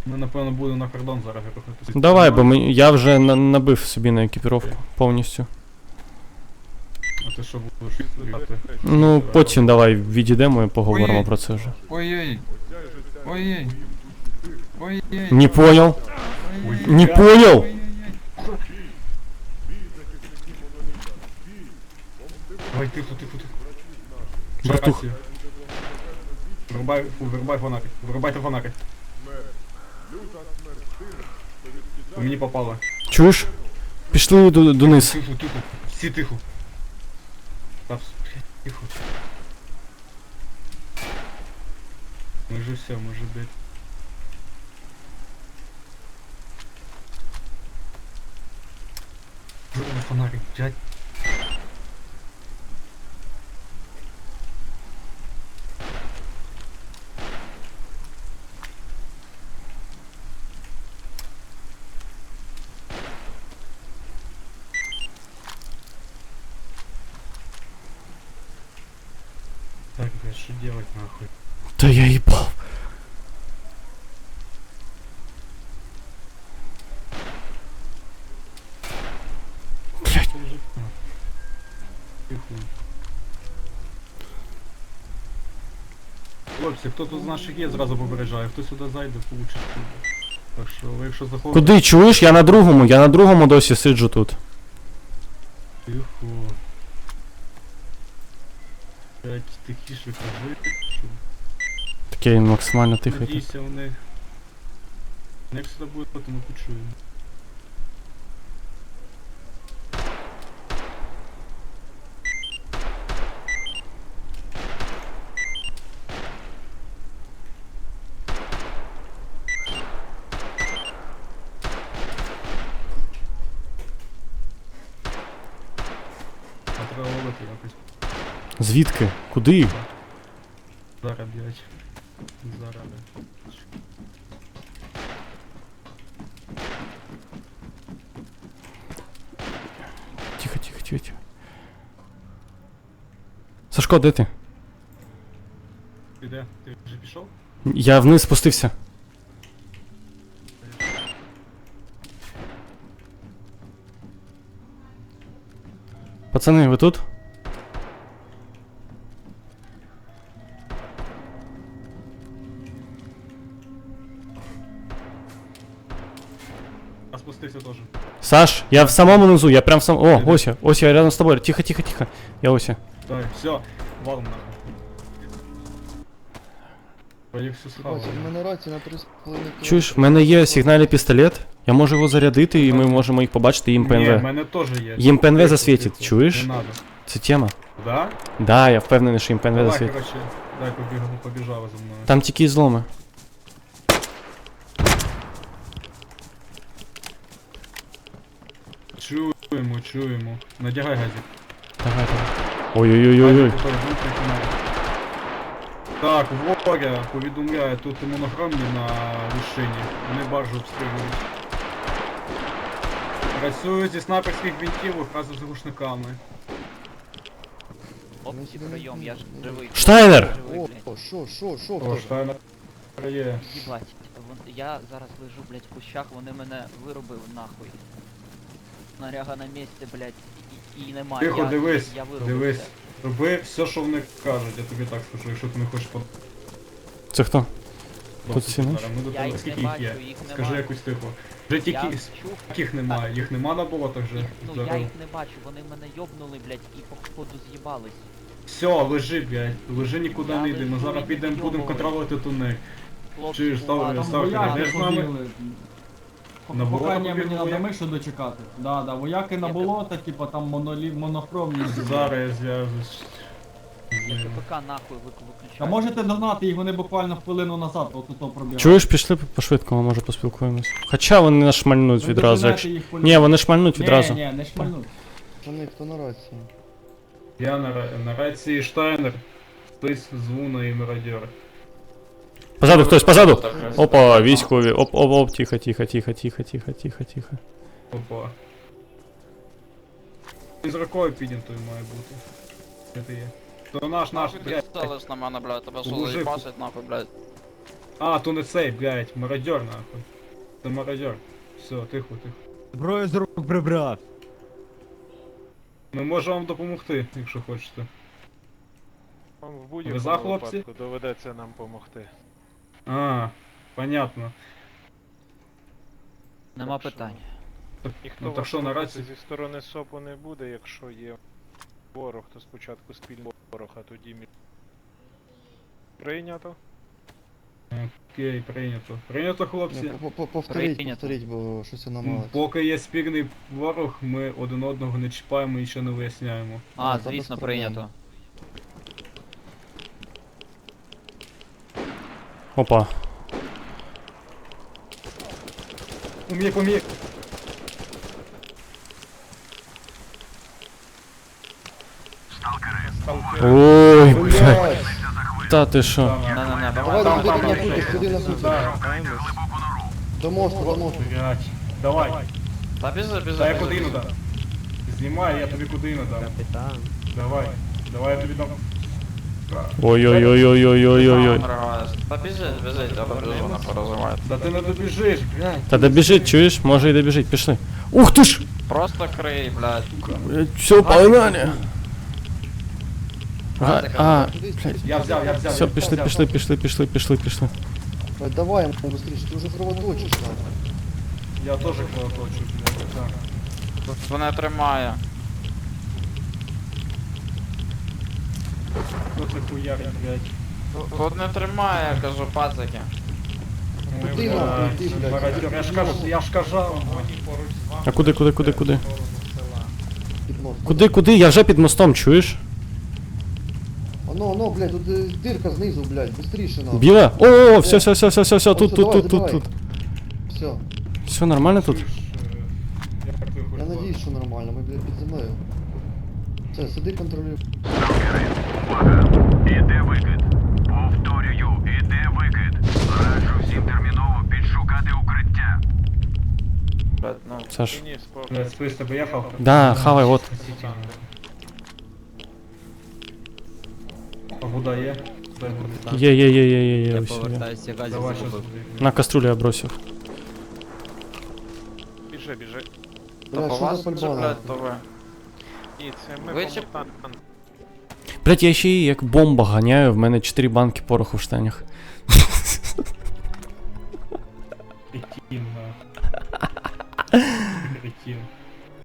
Ми, напевно, будемо на кордон зараз рухатися. Давай, бо я вже набив собі на екіпіровку повністю. А ти що будеш їхати? Ну, потім давай відійдемо і поговоримо про це вже. Ой-ой. Ой-ой. Ой-ой. Не понял. Ой-ой. Не понял. Ой, тихо, тихо, тихо. Братух. Вирубай фонарик. Вирубайте фонарик. По мені попало. Чуєш? Пішли дониз. Тихо, тихо. Всі тихо. Та, тихо. Ми же все, ми же блядь. Вирубай фонарик, блядь. Так, блядь, что делать нахуй? Та я їбав. Блять. Тихо. Хлопці, хто тут з наших є, зразу попереджає. Хто сюди зайде, получить. Так що, ви якщо заходите... Куди чуєш? Я на другому досі сиджу тут. Тихо. Блять, тихіше кажи, що... Таке максимально тихо. Надійся у них. Як сюди буде, то ми почуємо. А треба ловити якось. Звідки? Куди? Зараз, блять. Зараз, блять. Тихо, тихо, тихо, тихо. Сашко, де ти? Ти де? Ти вже пішов? Я вниз спустився. Пацани, ви тут? А спустився теж. Саш, я в самому низу, я прям в самому... О, ось я рядом з тобою. Тихо, тихо, тихо. Я ось. Давай, все, валом нахуй. Поїх все схавали. Бачиш, в мене рація на 3,5 Чуєш, в мене є сигнальний пістолет. Я можу його зарядити і ми можемо їх побачити, їм Ні, в ПНВ. мене теж є. Їм ПНВ Тихо, засвітить, тихо. чуєш? Не надо. Це тема. Да? Да, я впевнений, що їм ПНВ Давай, засвітить. короче, дай побіжали за мною. Там тільки зломи. Чуємо, чуємо. Надягай газик. Давай, давай. Ой-ой-ой-ой. Так, ворога повідомляє, тут монохромні на вершині. Вони баржу обстрілюють. Працюють зі снайперських гвинтівок разом з глушниками. Опці прийом, я ж живий. Штайнер! Живий, О, блядь. що, О, Штайнер є. Їбать, я зараз лежу, блядь, в кущах, вони мене вирубили нахуй. Снаряга на місці, блядь, і немає. Тихо, дивись, я вирубився. дивись. Роби все, що вони кажуть, я тобі так скажу, якщо ти не хочеш Це хто? подобатися ці наші? зараз. Ми до Я тебе їх скільки не їх є? бачу, їх Скажи немає. якусь тихо. Вже тільки Я чув, їх немає, їх нема на болотах вже. ну я їх не бачу, вони мене йобнули, блядь, і походу з'їбались. Все, лежи, блядь, лежи нікуди Я не йди, ми лежу, зараз і підемо, будемо йобую. контролювати тунель. Хлопці, Чуєш, став- уважно. став- Вояки йдеш з нами? побігли. На болото Поки мені побігли треба вояки? мишу дочекати. Да, вояки на Я болото, типа там монохромні. Зараз я зв'яжусь. Я КПК нахуй виключаю. А можете догнати їх, вони буквально хвилину назад отут пробігали. Чуєш, пішли по-швидкому, може поспілкуємось. Хоча вони нас шмальнуть Ви відразу, доженете якщо... їх по Ні, вони шмальнуть відразу. Ні, не шмальнуть. Пацани, хто на рації? Я на рації Штайнер. Хтось дзвона і мародьор. Позаду хтось, позаду! Опа, військові. Оп, тихо, тихо, тихо, тихо, тихо, тихо, тихо. Опа. Із рукою піднятою має бути. Де ти є? То наш, блядь. Ставиш на мене, блядь, тебе що Мужик. заїбашить, нахуй, блядь. А, то не цей, блядь, мародер нахуй. Це мародер. Все, тихо, тихо. Зброю з рук прибрав. Ми можемо вам допомогти, якщо хочете. Вам в Ви будь-якому за, хлопці? випадку доведеться нам допомогти. А, понятно. Нема Так що? питань. Ніхто Ну, так вас що, слухати наразі? зі сторони СОПу не буде, якщо є ворог, то спочатку спільний ворог, а тоді між. Прийнято? Окей, прийнято. Прийнято, хлопці. Повторіть, Прийнято. повторіть, бо щось я намалось. Поки є спільний ворог, ми один одного не чіпаємо і ще не виясняємо. А, Ну, та звісно, без проблем. прийнято. Опа. Умій, помій. Ой, блядь. Блядь, Та ти що? На-на-на, давай давай, сюди давай, на давай. пути, сюди на пути. До мосту, до мосту. Блять. Давай. Та біжи, біжи. Дай я біжи, кудину біжи. дам. Знімай, я тобі кудину дам. Капітан. Давай. Давай я тобі дам. Ой-ой-ой-ой-ой-ой-ой. Та біжи, біжи, тебе дуже не порозумають. Да ти не добіжиш, блядь. Та добіжить, чуєш? Може і добіжить, пішли. Ух ти ж! Просто крий, блядь. Все, погнали! А, Я взяв. все, пішли, пішли, пішли, пішли, пішли, пішли. Блядь, давай йому быстріше, ти вже кровоточиш там. Я теж кровоточу, блядь. Так. Тут мене тримає. Ну це хуярить, блядь. Тут не тримає, я кажу, пацики. Куди нам прийти, блядь? Мародер, я ж кажав. А куди? Під мост. Куди? Я вже під мостом, чуєш? Оно, блядь, тут дирка знизу, блядь, быстріше нам. Біле? О, все, тут. Все. Все нормально тут? Я надіюсь, що нормально, ми, блядь, під землею. Все, сиди, контролюй. Іде викид. Повторюю, іде викид. Раджу всім терміново підшукати укриття. Блядь, ну. Саш. Ні, спокій. Блядь, спис тебе їхав? Да, хавай, от. Погода є? Дай буде. Є. ось є. Повертайся, газі Давай, що загубив. На кастрюлю я бросив. Біжи. Блядь, По що вас за вже, пальба? блядь, то ви. Ні, це ми Ви по чи- мутантам. Блять, я ще й як бомба ганяю, в мене 4 банки пороху в штанях. Кретин, нахуй. Кретин.